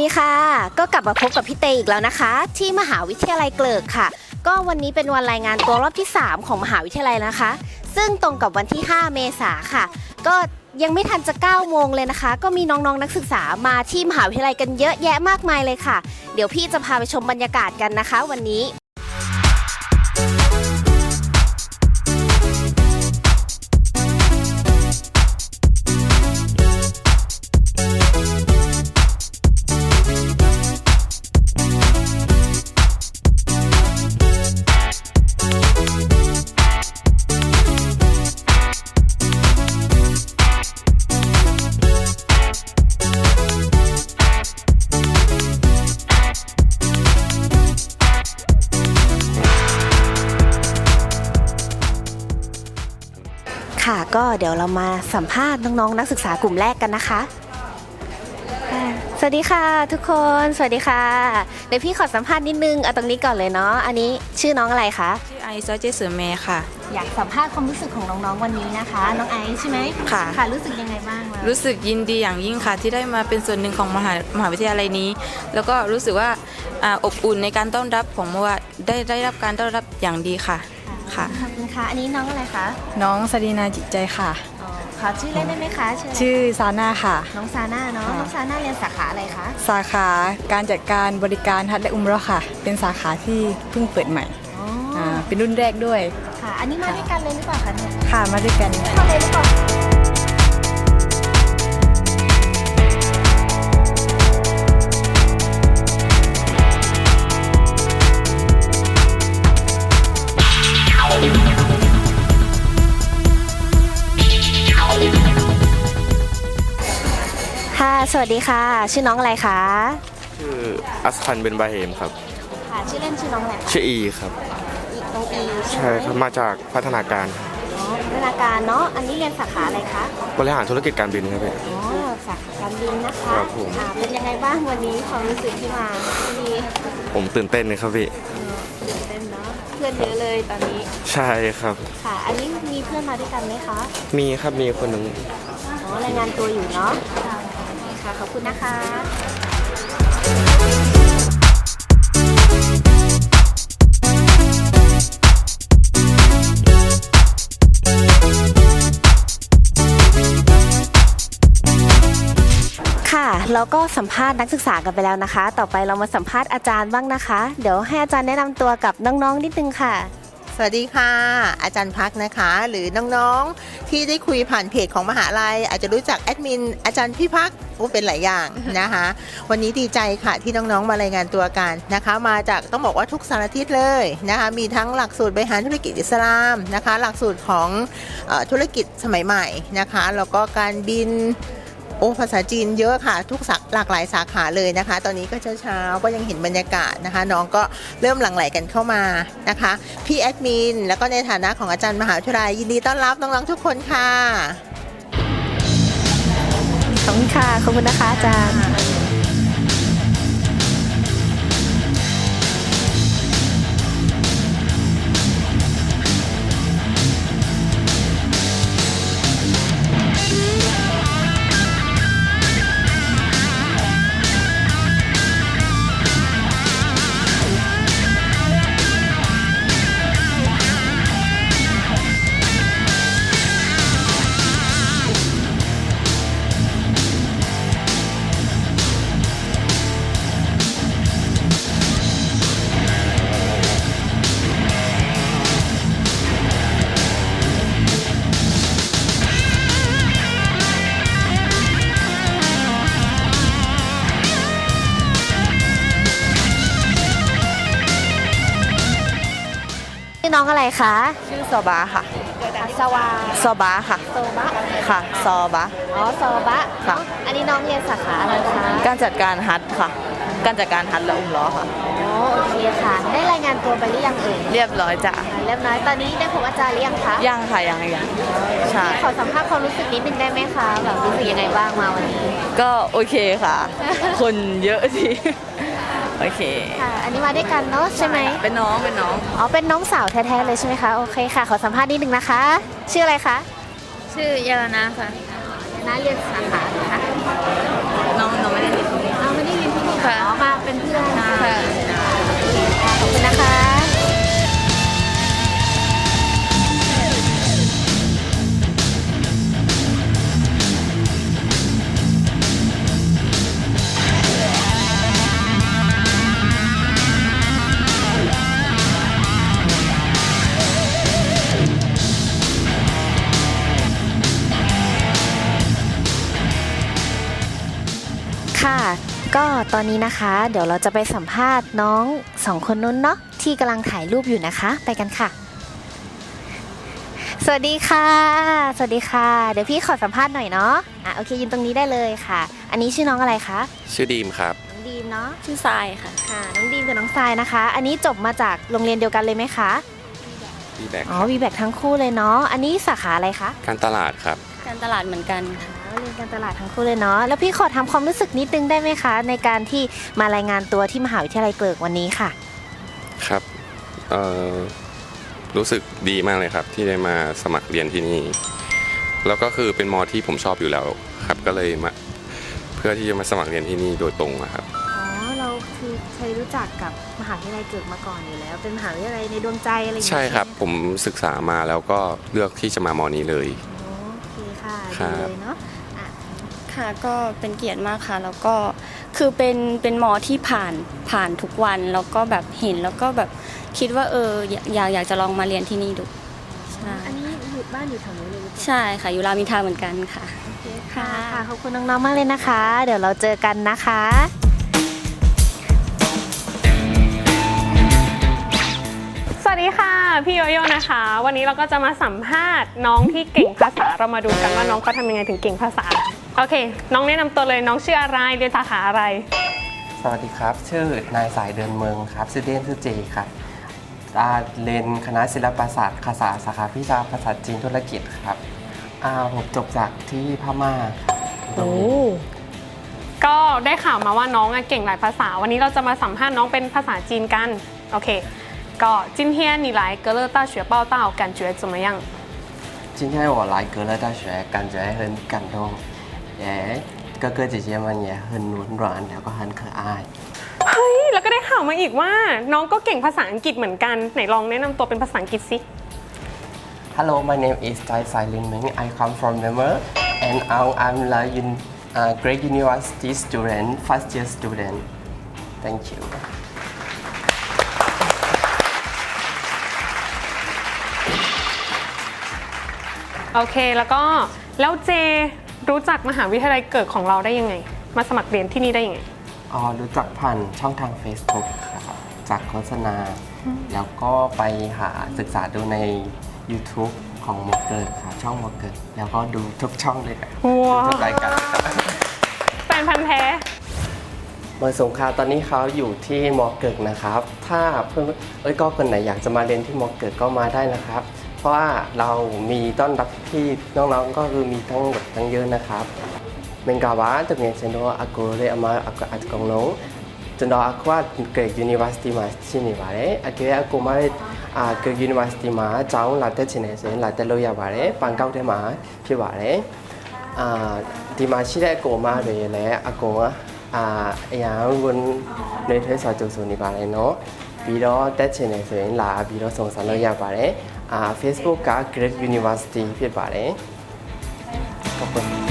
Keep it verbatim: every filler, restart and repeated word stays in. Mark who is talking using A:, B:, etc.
A: ดีค่ะก็กลับมาพบกับพี่เตอีกแล้วนะคะที่มหาวิทยาลัยเกลิกค่ะก็วันนี้เป็นวันรายงานตัวรอบที่สามของมหาวิทยาลัยนะคะซึ่งตรงกับวันที่ห้าเมษายนค่ะก็ยังไม่ทันจะเก้าโมงเลยนะคะก็มีน้องๆนักศึกษามาที่มหาวิทยาลัยกันเยอะแยะมากมายเลยค่ะเดี๋ยวพี่จะพาไปชมบรรยากาศกันนะคะวันนี้ค่ะก็เดี๋ยวเรามาสัมภาษณ์น้องๆนักศึกษากลุ่มแรกกันนะคะสวัสดีค่ะทุกคนสวัสดีค่ะเดี๋ยวพี่ขอสัมภาษณ์นิดนึงเอาตรงนี้ก่อนเลยเนาะอันนี้ชื่อน้องอะไรคะ
B: ชื่อไอซ์เจสือเมย์ค่ะ
A: อยากสัมภาษณ์ความรู้สึกของน้องๆวันนี้นะคะน้องไอซ์ใช่ไหม
B: ค่ะ
A: ค่ะรู้สึกยังไงบ้าง
B: รู้สึกยินดีอย่างยิ่งค่ะที่ได้มาเป็นส่วนหนึ่งของมหามหาวิทยาลัยนี้แล้วก็รู้สึกว่าอบอุ่นในการต้อนรับของว่าได้ได้รับการต้อนรับอย่างดีค่ะค่ะ
A: ขอบคุณค่ะอันนี้น้องอะไรคะ
C: น้องสดีนาจิตใจค่ะ
A: ขอชื่อเล่นได้ไหมคะ
C: ชื่อซาน่าค่ะ
A: น้องซาน่าเนาะน้องซาน่าเรียนสาขาอะไรคะ
C: สาขาการจัดการบริการฮัจญ์และอุมเราะห์ค่ะเป็นสาขาที่เพิ่งเปิดใหม่อ๋อเป็นรุ่นแรกด้วย
A: ค่ะอันนี้มาด้วยกันเลยหรือเปล่าคะเนี่ย
C: ค่ะมาด้วยกัน
A: เข้าเลยหรือเปล่าค่ะสวัสดีค่ะชื่อน้องอะไรคะ
D: ชื่ออัสคันเบนบาเฮมครับ
A: ค่ะชื่อเล่นชื่อน้องอะไร
D: ชื่ออีครับ
A: อีน้องอี
D: ใช่ครับมาจากพัฒนาการ
A: อ๋อพัฒนาการเนาะอันนี้เรียนสาขาอะไรคะ
D: บริหารธุรกิจการบินครับพี่
A: อ๋อสาขาการบินนะคะครับผมเป็นยังไงบ้างวันนี้ความรู้สึกที่มาที่นี่
D: ผมตื่นเต้นเลยครับพี่
A: ตื่นเต้นเนาะเพื่อนเยอะเลยตอนนี้
D: ใช่ครับ
A: ค่ะอันนี้มีเพื่อนมาด้วยกันไหมคะ
D: มีครับมีคนหนึ่ง
A: อ๋อรายงานตัวอยู่เนาะค่ะขอบคุณนะคะค่ะแล้วก็สัมภาษณ์นักศึกษากันไปแล้วนะคะต่อไปเรามาสัมภาษณ์อาจารย์บ้างนะคะเดี๋ยวให้อาจารย์แนะนำตัวกับน้องๆนิดนึงค่ะ
E: สวัสดีค่ะอาจารย์พักนะคะหรือน้องๆที่ได้คุยผ่านเพจของมหาลัยอาจจะรู้จักแอดมินอาจารย์พี่พักโอ้เป็นหลายอย่างนะคะวันนี้ดีใจค่ะที่น้องๆมารายงานตัวกันนะคะมาจากต้องบอกว่าทุกสารทิศเลยนะคะมีทั้งหลักสูตรบริหารธุรกิจอิสลามนะคะหลักสูตรของเอ่อธุรกิจสมัยใหม่นะคะแล้วก็การบินโอ้ภาษาจีนเยอะค่ะทุกสักหลากหลายสาขาเลยนะคะตอนนี้ก็เช้าๆก็ยังเห็นบรรยากาศนะคะน้องก็เริ่มหลั่งไหลกันเข้ามานะคะพี่แอดมินแล้วก็ในฐานะของอาจารย์มหาวิทยาลัยยินดีต้อนรับน้องๆทุกคนค่ะ
A: ขอบคุณค่ะขอบคุณนะคะอาจารย์น้องอะไรคะ
C: ชื่อซอบาค่ะ
A: สวา
C: ซอบาค่ะ
A: โซบะ
C: ค่ะซอบา
A: อ๋อซอบะค่ะอันนี้น้องเรียนสาขาอะไรคะ
C: การจัดการฮัจญ์ค่ะการจัดการฮัจญ์และอุมเราะห์ค่ะ
A: อ๋อโอเคค่ะได้รายงานตัวไปหรือยังเอ่ย
C: เรียบร้อยจ้ะ
A: เรียบร้อยตอนนี้ได้พบอาจารย์หรือยังคะ
C: ยังค่ะยังยัง
A: ใช่ขอสัมภาษณ์ความรู้สึกนิดนึงได้ไหมคะแบบรู้สึกยังไงบ้างมาวันนี้
C: ก็โอเคค่ะคนเยอะทีโอเค
A: ค่ะอันนี้มาด้วยกันเนาะใช่ไหม
C: เป็นน้องเป็นน้อง
A: อ๋อเป็นน้องสาวแท้ๆเลยใช่ไหมคะโอเคค่ะขอสัมภาษณ์นิดนึงนะคะชื่ออะไรคะ
B: ชื่อยาลานาค่ะ
A: ยาลาเรียนสาขาค่ะ
B: น้องน้องไม่ได้เรียนที่นี่
A: อ้าวไม่ได้เรียนที่นี่เป็นเพื่อนค่ะขอบคุณนะคะ ค่ะก็ตอนนี้นะคะ เดี๋ยวเราจะไปสัมภาษณ์น้องสองคนนู้นเนาะที่กำลังถ่ายรูปอยู่นะคะ ไปกันค่ะ สวัสดีค่ะ สวัสดีค่ะ เดี๋ยวพี่ขอสัมภาษณ์หน่อยเนาะอ่ะโอเคยืนตรงนี้ได้เลยค่ะ อันนี้ชื่อน้องอะไรคะ
D: ชื่อดีมครับ
A: น้องดีมเนาะ
F: ชื่อทรายค่ะ
A: ค่ะน้องดีมกับน้องทรายนะคะ อันนี้จบมาจากโรงเรียนเดียวกันเลยไหมคะ
D: ดีแบก
A: อ๋อวีแบกทั้งคู่เลยเนาะอันนี้สาขาอะไรคะ
D: การตลาดครับ
F: การตลาดเหมือนกันค่ะ
A: อ๋อเรียนการตลาดทั้งคู่เลยเนาะแล้วพี่ขอทำความรู้สึกนิดนึงได้ไหมคะ ในการที่มารายงานตัวที่มหาวิทยาลัยเกริกวันนี้ค่ะ
G: ครับเอ่อรู้สึกดีมากเลยครับที่ได้มาสมัครเรียนที่นี่ แล้วก็คือเป็นมอที่ผมชอบอยู่แล้วครับก็เลยมาเพื่อที่จะมาสมัครเรียนที่นี่โดยตรงอะครับ
A: อ๋อเราคือเคยรู้จักกับมหาวิทยาลัยเกิดมาก่อนอยู่แล้ว เป็นมหาวิทยาลัยในดวงใจอะไรอย่างเงี้ย
G: ใช่ครับ
A: ไหม
G: ผมศึกษามาแล้วก็เลือกที่จะมามอนี้เลย
A: อ๋อโอเคค่ะ
G: ครั
A: ดี
G: บ
A: เลยเนาะอ่ะ
F: ค่ะก็เป็นเกียรติมากค่ะ แล้วก็คือเป็นเป็นหมอที่ผ่านผ่านทุกวัน แล้วก็แบบเห็นแล้วก็แบบคิดว่าเอออยากอยากอยากจะลองมาเรียนที่นี่ดูใช่
A: อันนี้อยู่บ้านอยู่แถวนี้เลยหรือเปล่า
F: ใช่ค่ะอยู่รามอินทราเหมือนกันค่ะ
A: โอเคค่ะค่ะขอบคุณน้องๆมากเลยนะคะ เดี๋ยวเราเจอกันนะคะ
H: สวัสดีค่ะพี่โยโย่นะคะ วันนี้เราก็จะมาสัมภาษณ์น้องที่เก่งภาษาเรามาดูกันว่าน้องเขาทำยังไงถึงเก่งภาษาโอเค น้องแนะนำตัวเลยน้องชื่ออะไรเรียนสาขาอะไร
I: สวัสดีครับ ชื่อนายสายเดินเมืองครับชื่อเล่นชื่อเจครับอ่าเรียนคณะศิลปศาสตร์ภาษาสาขาวิชาภาษาจีนธุรกิจครับอ่าผมจบจากที่พม่าครับตรงนี้
H: ก็ได้ข่าวมาว่าน้องอะเก่งหลายภาษา วันนี้เราจะมาสัมภาษณ์น้องเป็นภาษาจีนกันโอเคก็今天你来格勒大学报道感觉怎么样
I: 今天我来格勒大学感觉很感动也哥哥姐姐们也很温暖แล้วก็很可爱
H: เฮ้ยแล้วก็ได้ข่าวมาอีกว่าน้องก็เก่งภาษาอังกฤษเหมือนกันไหนลองแนะนำตัวเป็นภาษาอังกฤษสิ
I: Hello my name is Chai Sai Lin Meng I come from Myanmar and now I'm a un, uh, great university student first year student thank you
H: โอเคแล้วก็แล้วเจรู้จักมหาวิทยาลัยเกิดของเราได้ยังไง มาสมัครเรียนที่นี่ได้ยังไง
I: อ๋อรู้จักผ่านช่องทาง Facebook ครับจากโฆษณา แล้วก็ไปหาศึกษาดูใน YouTube ของมอเกิร์ครับช่องมอเกิร์แล้วก็ดูทุกช่องเลยครับ
H: ว้าว
I: ทุกรายการ
H: แฟนพันธ์แท้
I: เมื่อสงขลาตอนนี้เขาอยู่ที่มอเกิร์นะครับ ถ้าเพื่อนเอ้ยก็คนไหนอยากจะมาเรียนที่มอเกิร์ก็มาได้นะครับ เพราะว่าเรามีต้อนรับที่น้องๆก็คือมีทั้งหมดทั้งเยอะนะครับ Mengkawan tu dengan channel aku le amal aku at kong nong. Channel aku at ke university ma sini bare. Aku aku ma a ke university ma chang la te chine sen la te lo ya bare. Pan kau te ma phit bare. A di ma shi de ko ma de le aku a ya won ne thwe sa chu su ni bare no. ပြီးတော့တက်ချင်တယ်ဆိုရင်လာပြီးတော့စုံစမ်းလို့ရပါတယ်အာ Facebook က Great University ဖြစ်ပါတယ်ขอบคุณ